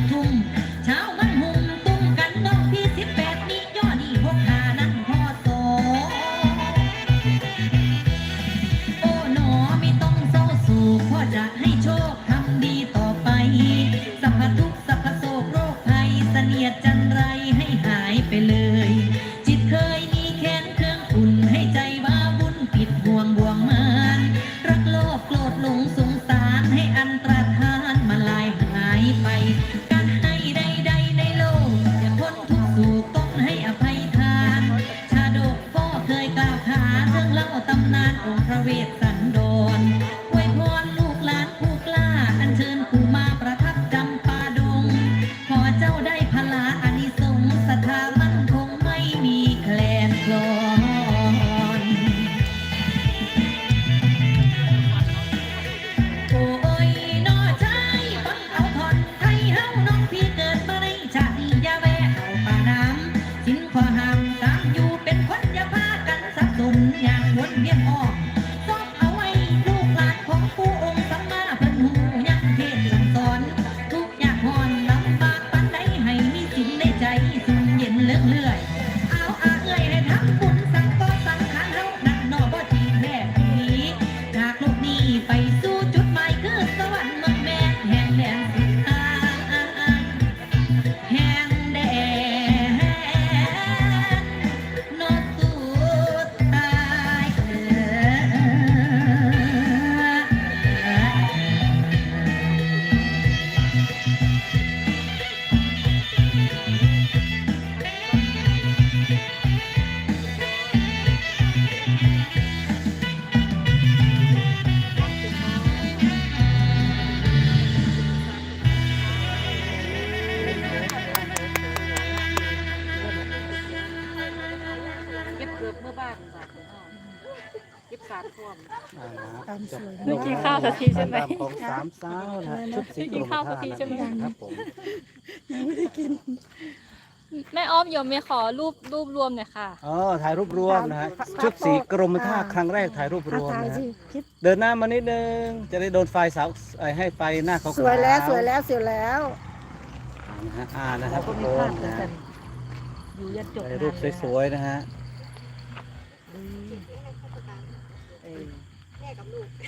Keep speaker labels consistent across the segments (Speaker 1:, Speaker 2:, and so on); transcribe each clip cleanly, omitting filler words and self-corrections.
Speaker 1: ทุ่มเช้ามันหุ่มตุ้มกันน้องพี่18นี่ย่อนี่65นั่นพอโสโอ้หนอไม่ต้องเศร้าโศกพ่อจะให้โชคทำดีต่อไปสัพพทุกข์สัพพโศกโรคภัยเสนียดจันไรให้หายไปเลยจิตเคยมีแค้นเครื่องอุ่นให้ใจบ้าบุญปิดห่วงบ่วงมานรักโลภโกรธหลงสงสารให้อันตรธานมาลายหายไปการให้ใดๆในโลกอย่าพ้นทุกข์สู่ต้องให้อภัยทานชาดกพ่อเคยกล่าวขานเรื่องเล่าตำนานองค์พระเวสสันดรอวยพรลูกหลานผู้กล้าอัญเชิญผู้มาประทับจำปาดงขอเจ้าได้พลาอานิสงส์ศรัทธามั่นคงไม่มีแคลนคลอนโอ้ยน้อชายฟังเอาทอนไทยเฮาน้องพี่เกิดมาในชาตินี้อย่าแวะเอาป่าน้ำสินขอห้ามตามอยู่เป็นคนอย่าพากันสับสนอย่างวนเวียนออกซอบเอาไว้ลูกหลานของผู้องค์สัมมาเพิ่นหูยังเทศสั่งสอนทุกอย่างหอนลำบากปานใดให้มีสินในใจสุ่มเย็นเลื่องเลื่อยเอาเอ้ยให้ทำบุญสังก็สังขารเฮานั่นนอบ่จีแท้นี้จากโลกนี้ไปสู่จุดหมายคือสวรรค์เมืองแม่แห่งแดนสิทธาแห่งแดนนอสุดท้าย
Speaker 2: เก็บเกือบเมื่อบ้านบาทเก็บสารท่วม
Speaker 3: เมื่อกี้ข้าวสักทีใช่ไหม
Speaker 4: ของสามสาวนะชุดสี
Speaker 3: กินข้าวสักทีใช่ไหม
Speaker 4: ครับผม
Speaker 3: แม่อ้อมโยมไม่ขอรูปรวมหน่อยค่ะ
Speaker 4: อ๋อถ่ายรูปรวมนะฮะชุดสีกรมท่าครั้งแรกถ่ายรูปรวมนะฮะเดินหน้ามานิดนึงจะได้โดนไฟเสาให้ไฟหน้าเขา
Speaker 5: สวยแล้วสวยแล้วสวยแล้ว
Speaker 4: นะฮะนะครับ
Speaker 2: ก็
Speaker 4: ทุก
Speaker 2: มี
Speaker 4: ค
Speaker 2: ภาพ
Speaker 4: น
Speaker 2: เหมือน
Speaker 4: นะ
Speaker 2: กั
Speaker 4: ฮะ
Speaker 2: นอยู่ยันจบ
Speaker 4: ถ่ายรูปสวยๆนะฮะ
Speaker 2: แม่กับลูก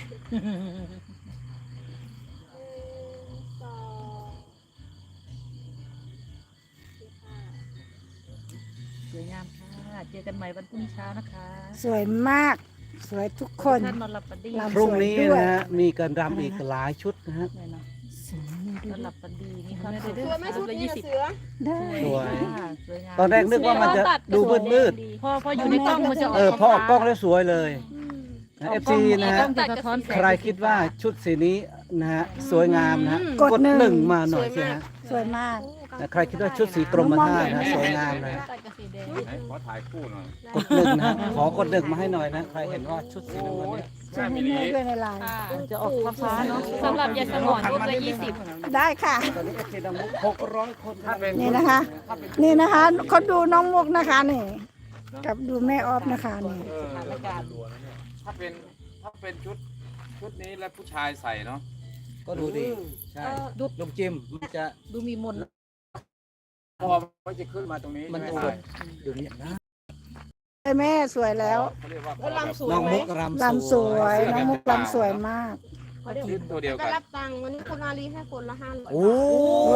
Speaker 2: สวยงามค่ะเจอกันใหม่วันพรุ่งนี้เช้านะคะ
Speaker 5: สวยมาก สวยทุกคน
Speaker 2: ท่านนอนหลับฝันดี
Speaker 5: ลำ
Speaker 4: พรุ่งนี้นะฮะมีการรำอีกหลายชุดนะฮะ
Speaker 2: แน่นอนนอนหลับฝันดีมีความสุข
Speaker 6: สวยไหมชุดนี้น่ะเสือ
Speaker 5: ได้
Speaker 4: สวย
Speaker 2: สวยงาม
Speaker 4: ตอนแรกนึกว่ามันจะดูมืด
Speaker 2: พออยู่ในกล้องมันจะออก
Speaker 4: พอออกกล้องแล้วสวยเลยเอฟซีนะฮะ
Speaker 2: กล้องจะสะท้อนแสง
Speaker 4: ใครคิดว่าชุดสีนี้นะฮะสวยงามนะฮะ
Speaker 5: กดหนึ่ง
Speaker 4: หนึ่งมาหน่อยสิฮะ
Speaker 5: สวยมาก
Speaker 4: นะใครคิดว่าชุดสีกรมท่านะสวยงามนะ
Speaker 3: ตัดกับสีแดง
Speaker 7: ขอถ่ายคู่หน่อย
Speaker 4: กดหนึ่งนะฮะขอกดหนึ่งมาให้หน่อยนะใครเห็นว่าชุดสีน้ำเงินเนี่ย
Speaker 5: สวยให้แม่ด้วยในไลน์
Speaker 3: ค่ะ
Speaker 2: จะออกฟ้าๆเนาะ
Speaker 3: สำหรับยายสมอนรูปละ20
Speaker 5: ได้ค่ะ
Speaker 4: ตอนนี้ก็เทดำ600 คนถ้าเป็น
Speaker 5: นี่นะคะ นี่นะคะเขาดูน้องมุกนะคะนี่กับดูแม่ออฟนะคะนี่
Speaker 7: ถ้าเป็นชุดนี้แล้วผู้ชายใส่เนาะ
Speaker 4: ก็ดูดีใช่ลุงจิมมันจะ
Speaker 2: ดูมีมนต์
Speaker 7: พอมันจะขึ้นมาตรงนี้
Speaker 4: มัน
Speaker 7: ใช่
Speaker 4: จะ
Speaker 7: ไหม
Speaker 4: ดูนี่นะ
Speaker 5: แม่สวยแล้ว
Speaker 7: เขาเรียกว่า
Speaker 6: แล้วลำสวย
Speaker 4: น้อง
Speaker 6: ไหม
Speaker 4: มุกรำ
Speaker 5: ลำสวยน้องมุกลำสวยมาก
Speaker 7: ชุดตัวเดียว
Speaker 6: ก็
Speaker 7: กัน
Speaker 6: รับตังค์วันนี้คุณอาลีให้คนละ500
Speaker 4: โอ้
Speaker 5: โอ้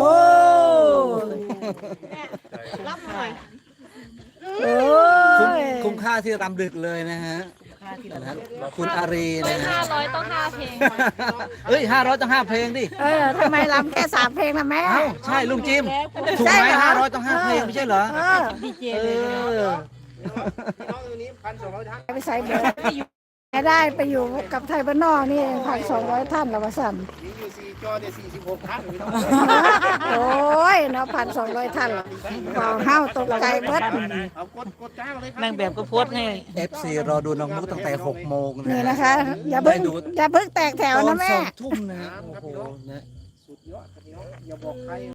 Speaker 6: รับหน่อย
Speaker 5: โอ้
Speaker 4: คุ้มค่าที่รำดึกเลยนะฮะนะฮะคุณอารีนะฮะ
Speaker 3: 500 ต้อง 5 เพลง
Speaker 4: เฮ้ย500ต้อง5เพลงดิ
Speaker 5: ทำไมลำแค่3 เพลงนะแม่
Speaker 4: เอ้าใช่ลุงจิมถูกไหม500ต้อง5เพลงไม่ใช่เหรอ
Speaker 2: ดีเจ
Speaker 4: เอ
Speaker 2: เลย
Speaker 4: อ
Speaker 5: ไปใส่เบอร์ได้ไปอยู่กับไทยบ้านนอกนี่1,200 ท่านละวะสัน
Speaker 7: อยู่4จอเดี๋ยว46ท่าน
Speaker 5: โอ้ยเนาะ1,200 ท่านว้าวเฮาตกใจเบิด
Speaker 7: เอากดจ้างเลยครับ
Speaker 2: นางแบบก็โพสต์ให้
Speaker 4: FC รอดูน้องมุกตั้งแต่6 โมงนะ
Speaker 5: นี่นะคะ อย่าเพิ่งแตกแถว
Speaker 4: ตอน
Speaker 5: นะแม่
Speaker 4: 2 ทุ่มนะฮะโอ้โหนะ
Speaker 7: สุดยอดครับพี่น้องอย่าบอกใคร